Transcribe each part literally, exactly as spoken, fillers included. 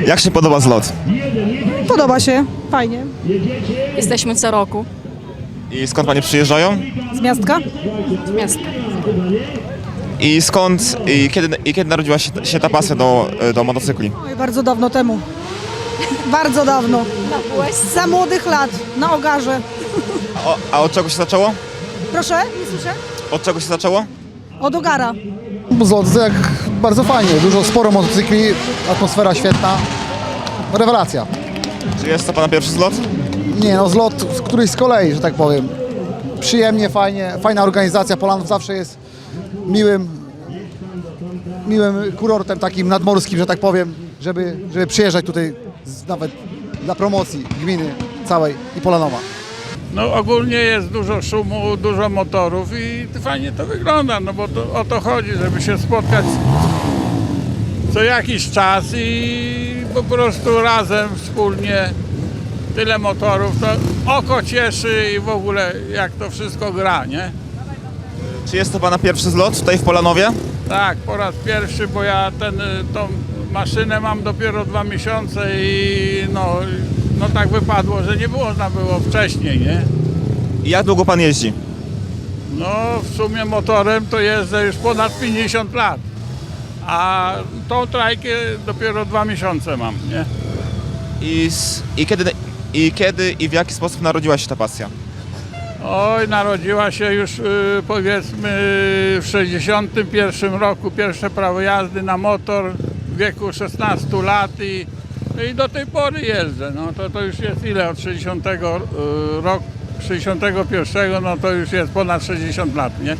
Jak się podoba zlot? Podoba się, fajnie. Jesteśmy co roku I skąd panie przyjeżdżają? Z miastka? z miasta. I skąd, i kiedy, i kiedy narodziła się, się ta pasja do, do motocykli? Oj, bardzo dawno temu. Bardzo dawno. Za młodych lat, na Ogarze. A, o- a od czego się zaczęło? Proszę, nie słyszę? Od czego się zaczęło? Od Ogara. Zlot jak bardzo fajnie, dużo, sporo motocykli, atmosfera świetna, rewelacja. Czy jest to pana pierwszy zlot? Nie no, zlot z którejś z kolei, że tak powiem. Przyjemnie, fajnie, fajna organizacja, Polanów zawsze jest miłym, miłym kurortem takim nadmorskim, że tak powiem, żeby, żeby przyjeżdżać tutaj z, nawet dla promocji gminy całej i Polanowa. No ogólnie jest dużo szumu, dużo motorów i fajnie to wygląda, no bo to, o to chodzi, żeby się spotkać co jakiś czas i po prostu razem, wspólnie, tyle motorów, to oko cieszy i w ogóle jak to wszystko gra, nie? Czy jest to pana pierwszy zlot tutaj w Polanowie? Tak, po raz pierwszy, bo ja ten, y, tą maszynę mam dopiero dwa miesiące i no, no tak wypadło, że nie można było wcześniej, nie? I jak długo pan jeździ? No w sumie motorem to jeżdżę już ponad pięćdziesiąt lat, a tą trajkę dopiero dwa miesiące mam, nie? I, s- i, kiedy, I kiedy i w jaki sposób narodziła się ta pasja? Oj, narodziła się już y, powiedzmy w sześćdziesiątym pierwszym roku, pierwsze prawo jazdy na motor w wieku szesnastu lat i, i do tej pory jeżdżę. No to, to już jest ile od sześćdziesiątego y, roku, sześćdziesiątego pierwszego, no to już jest ponad sześćdziesiąt lat, nie?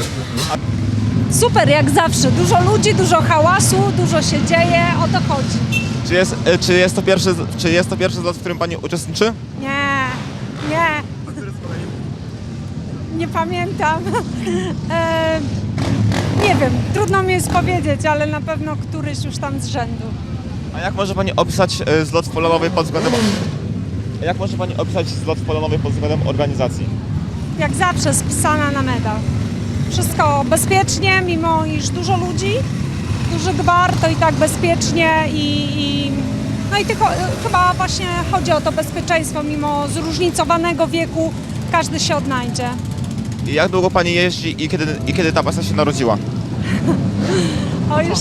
Super, jak zawsze. Dużo ludzi, dużo hałasu, dużo się dzieje, o to chodzi. Czy jest, e, czy jest, to, pierwszy, z- czy jest to pierwszy zlot, w którym pani uczestniczy? Nie, nie. Nie pamiętam. e, nie wiem, trudno mi jest powiedzieć, ale na pewno któryś już tam z rzędu. A jak może pani opisać e, zlot w Polanowie pod względem... A jak może pani opisać zlot w Polanowie pod względem organizacji? Jak zawsze spisana na medal. Wszystko bezpiecznie, mimo iż dużo ludzi, duży gwar, to i tak bezpiecznie i, i no i tylko chyba właśnie chodzi o to bezpieczeństwo, mimo zróżnicowanego wieku każdy się odnajdzie. I jak długo pani jeździ i kiedy, i kiedy ta pasja się narodziła? O już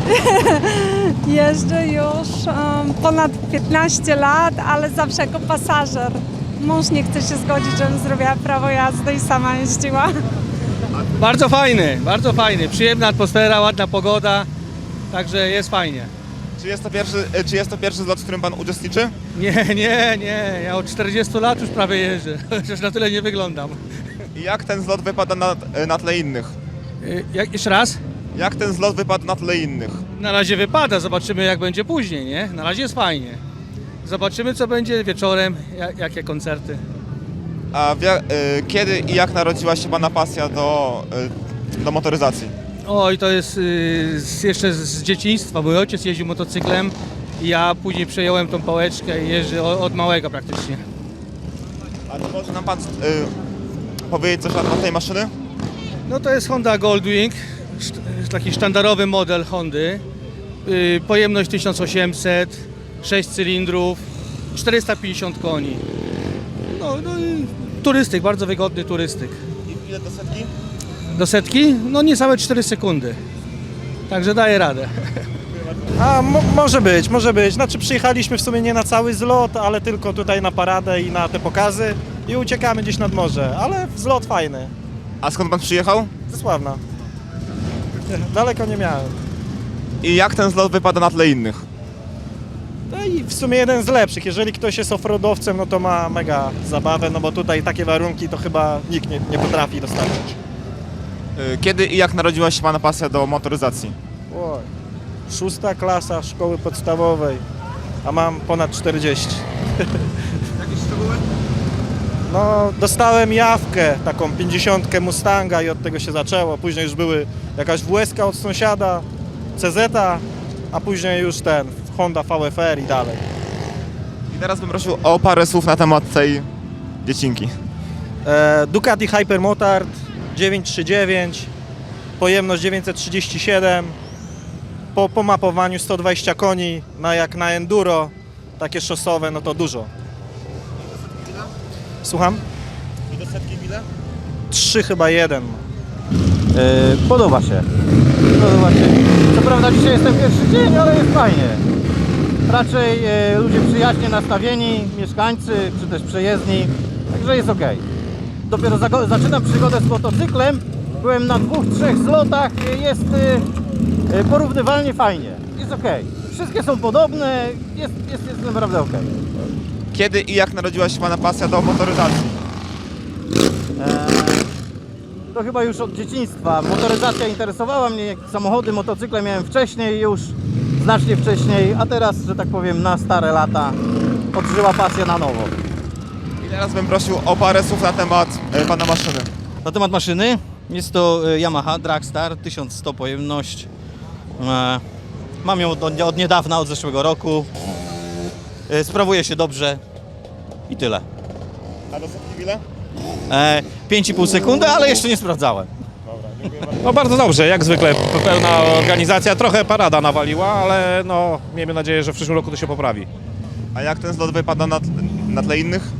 jeżdżę już um, ponad piętnaście lat, ale zawsze jako pasażer. Mąż nie chce się zgodzić, żebym zrobiła prawo jazdy i sama jeździła. Bardzo fajny, bardzo fajny. Przyjemna atmosfera, ładna pogoda, także jest fajnie. Czy jest to pierwszy, e, czy jest to pierwszy zlot, w którym pan uczestniczy? Nie, nie, nie, ja od czterdziestu lat już prawie jeżdżę, chociaż na tyle nie wyglądam. I jak ten zlot wypada na, e, na tle innych? Y, Jak, jeszcze raz? Jak ten zlot wypadł na tle innych? Na razie wypada, zobaczymy jak będzie później, nie? Na razie jest fajnie. Zobaczymy co będzie wieczorem, jak, jakie koncerty. A w, ja- e, kiedy i jak narodziła się pana pasja do, e, do motoryzacji? Oj, to jest y, z, jeszcze z, z dzieciństwa. Mój ojciec jeździł motocyklem i ja później przejąłem tą pałeczkę i jeżdżę od, od małego praktycznie. A to może nam pan e, powiedzieć coś na temat tej maszyny? No to jest Honda Goldwing, szt- taki sztandarowy model Hondy. Yy, pojemność tysiąc osiemset, sześć cylindrów, czterysta pięćdziesiąt koni. No, no i turystyk, bardzo wygodny turystyk. I ile do setki? Do setki? No niecałe cztery sekundy. Także daje radę. A mo może być, może być. Znaczy przyjechaliśmy w sumie nie na cały zlot, ale tylko tutaj na paradę i na te pokazy i uciekamy gdzieś nad morze, ale zlot fajny. A skąd pan przyjechał? Ze Sławna. Daleko nie miałem. I jak ten zlot wypada na tle innych? No i w sumie jeden z lepszych. Jeżeli ktoś jest offroadowcem, no to ma mega zabawę, no bo tutaj takie warunki to chyba nikt nie, nie potrafi dostarczyć. E, Kiedy i jak narodziła się pana pasja do motoryzacji? Oj. Szósta klasa szkoły podstawowej, a mam ponad czterdzieści. Jakieś szczegóły? No, dostałem jawkę, taką pięćdziesiątkę Mustanga i od tego się zaczęło. Później już były jakaś W S K od sąsiada, C Z, a później już ten Honda V F R i dalej. I teraz bym prosił o parę słów na temat tej dziecinki. E, Ducati Hypermotard dziewięćset trzydzieści dziewięć, pojemność dziewięćset trzydzieści siedem, po, po mapowaniu sto dwadzieścia koni, na, jak na enduro, takie szosowe, no to dużo. Słucham? I do setki ile? Trzy chyba jeden. E, podoba się. Podoba się. Co prawda dzisiaj jest ten pierwszy dzień, ale jest fajnie. Raczej e, ludzie przyjaźnie nastawieni, mieszkańcy czy też przejezdni, także jest ok. Dopiero zago- zaczynam przygodę z motocyklem. Byłem na dwóch, trzech zlotach, e, jest e, e, porównywalnie fajnie. Jest ok. Wszystkie są podobne, jest, jest, jest naprawdę ok. Kiedy i jak narodziła się pana pasja do motoryzacji? To chyba już od dzieciństwa. Motoryzacja interesowała mnie, samochody, motocykle miałem wcześniej już, znacznie wcześniej, a teraz, że tak powiem, na stare lata odżyła pasja na nowo. I teraz bym prosił o parę słów na temat e, pana maszyny. Na temat maszyny jest to e, Yamaha Dragstar tysiąc sto pojemność. E, Mam ją od, od niedawna, od zeszłego roku. E, Sprawuje się dobrze i tyle. A do setki ile? E, pięć i pół sekundy, ale jeszcze nie sprawdzałem. No bardzo dobrze, jak zwykle pełna organizacja, trochę parada nawaliła, ale no miejmy nadzieję, że w przyszłym roku to się poprawi. A jak ten zlot wypada na, tle- na tle innych?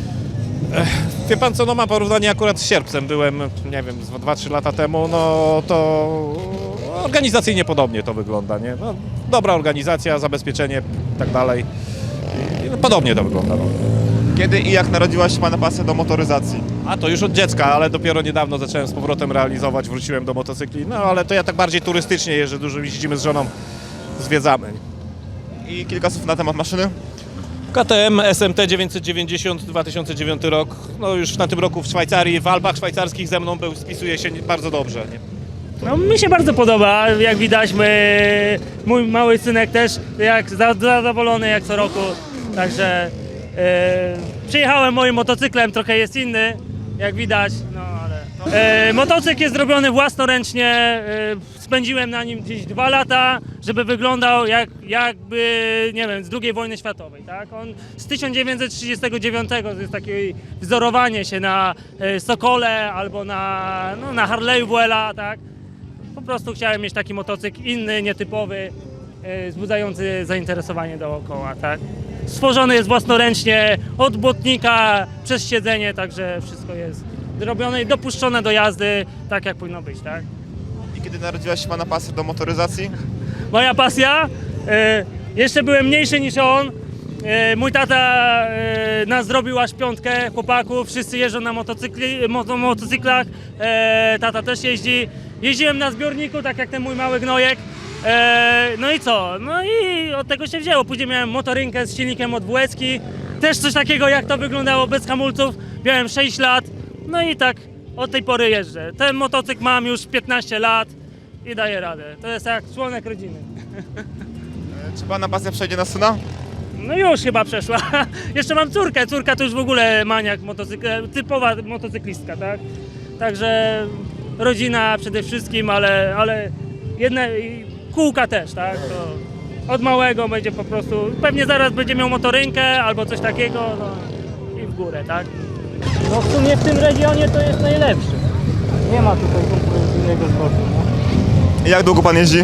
Wie pan co, no mam porównanie akurat z sierpcem, byłem, nie wiem, dwa trzy lata temu, no to organizacyjnie podobnie to wygląda, nie? No, dobra organizacja, zabezpieczenie i tak dalej. I podobnie to wygląda. No. Kiedy i jak narodziła się pana pasja do motoryzacji? A to już od dziecka, ale dopiero niedawno zacząłem z powrotem realizować, wróciłem do motocykli, no ale to ja tak bardziej turystycznie jeżdżę, dużo jeździmy z żoną, zwiedzamy. I kilka słów na temat maszyny? K T M S M T dziewięćset dziewięćdziesiąt, dwa tysiące dziewiąty rok, no już na tym roku w Szwajcarii, w Alpach szwajcarskich ze mną był, spisuje się bardzo dobrze. Nie? No, mi się bardzo podoba, jak widać, my, mój mały synek też jak za- zadowolony jak co roku, także e, przyjechałem moim motocyklem, trochę jest inny, jak widać, no ale no. E, motocykl jest zrobiony własnoręcznie, e, spędziłem na nim gdzieś dwa lata, żeby wyglądał jak, jakby, nie wiem, z drugiej wojny światowej, tak? On z tysiąc dziewięćset trzydziestego dziewiątego, to jest takie wzorowanie się na e, Sokole albo na, no, na Harley'u Vuela, tak? Po prostu chciałem mieć taki motocykl inny, nietypowy, e, wzbudzający zainteresowanie dookoła, tak? Stworzony jest własnoręcznie od błotnika przez siedzenie, także wszystko jest zrobione i dopuszczone do jazdy tak jak powinno być, tak? I kiedy narodziła się pana pasja do motoryzacji? Moja pasja, e, jeszcze byłem mniejszy niż on, e, mój tata e, nas zrobił aż piątkę chłopaków, wszyscy jeżdżą na motocykli, moto, motocyklach, e, tata też jeździ. Jeździłem na zbiorniku, tak jak ten mój mały gnojek. E, no i co? No i od tego się wzięło. Później miałem motorynkę z silnikiem od W S ki. Też coś takiego, jak to wyglądało bez hamulców. Miałem sześć lat. No i tak od tej pory jeżdżę. Ten motocykl mam już piętnaście lat i daję radę. To jest jak członek rodziny. E, Czy pana pasja przejdzie na syna? No już chyba przeszła. Jeszcze mam córkę. Córka to już w ogóle maniak motocykl, typowa motocyklistka, tak? Także rodzina przede wszystkim, ale, ale jedne i kółka też, tak? To od małego będzie po prostu, pewnie zaraz będzie miał motorynkę albo coś takiego, no i w górę, tak? No w sumie w tym regionie to jest najlepszy. Nie ma tutaj konkurencyjnego sportu. No. I jak długo pan jeździ?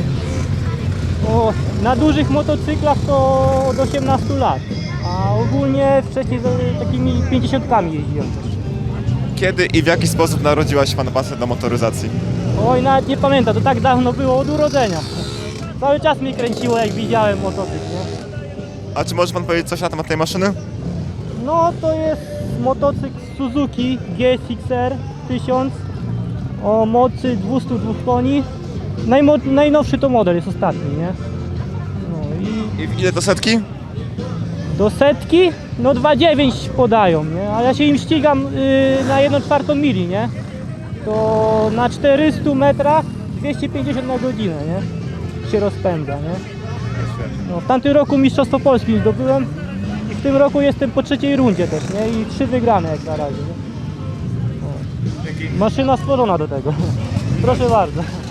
O, na dużych motocyklach to od osiemnastu lat, a ogólnie wcześniej z takimi pięćdziesiątkami jeździłem też. Kiedy i w jaki sposób narodziła się pana pasja do motoryzacji? Oj, nawet nie pamiętam, to tak dawno było od urodzenia. Cały czas mi kręciło, jak widziałem motocykl, nie? A czy może pan powiedzieć coś na temat tej maszyny? No to jest motocykl Suzuki G S X R tysiąc o mocy dwieście dwa koni. Najmo- najnowszy to model, jest ostatni, nie? No i I w ile to setki? do setki, no dwa dziewięć podają, nie? A ja się im ścigam yy, na jedną czwartą mili, nie? To na czterystu metrach dwieście pięćdziesiąt na godzinę, nie? Się rozpędza, nie? No, w tamtym roku Mistrzostwo Polski zdobyłem i w tym roku jestem po trzeciej rundzie też, nie? I trzy wygrane jak na razie, nie? No. Maszyna stworzona do tego. Proszę bardzo.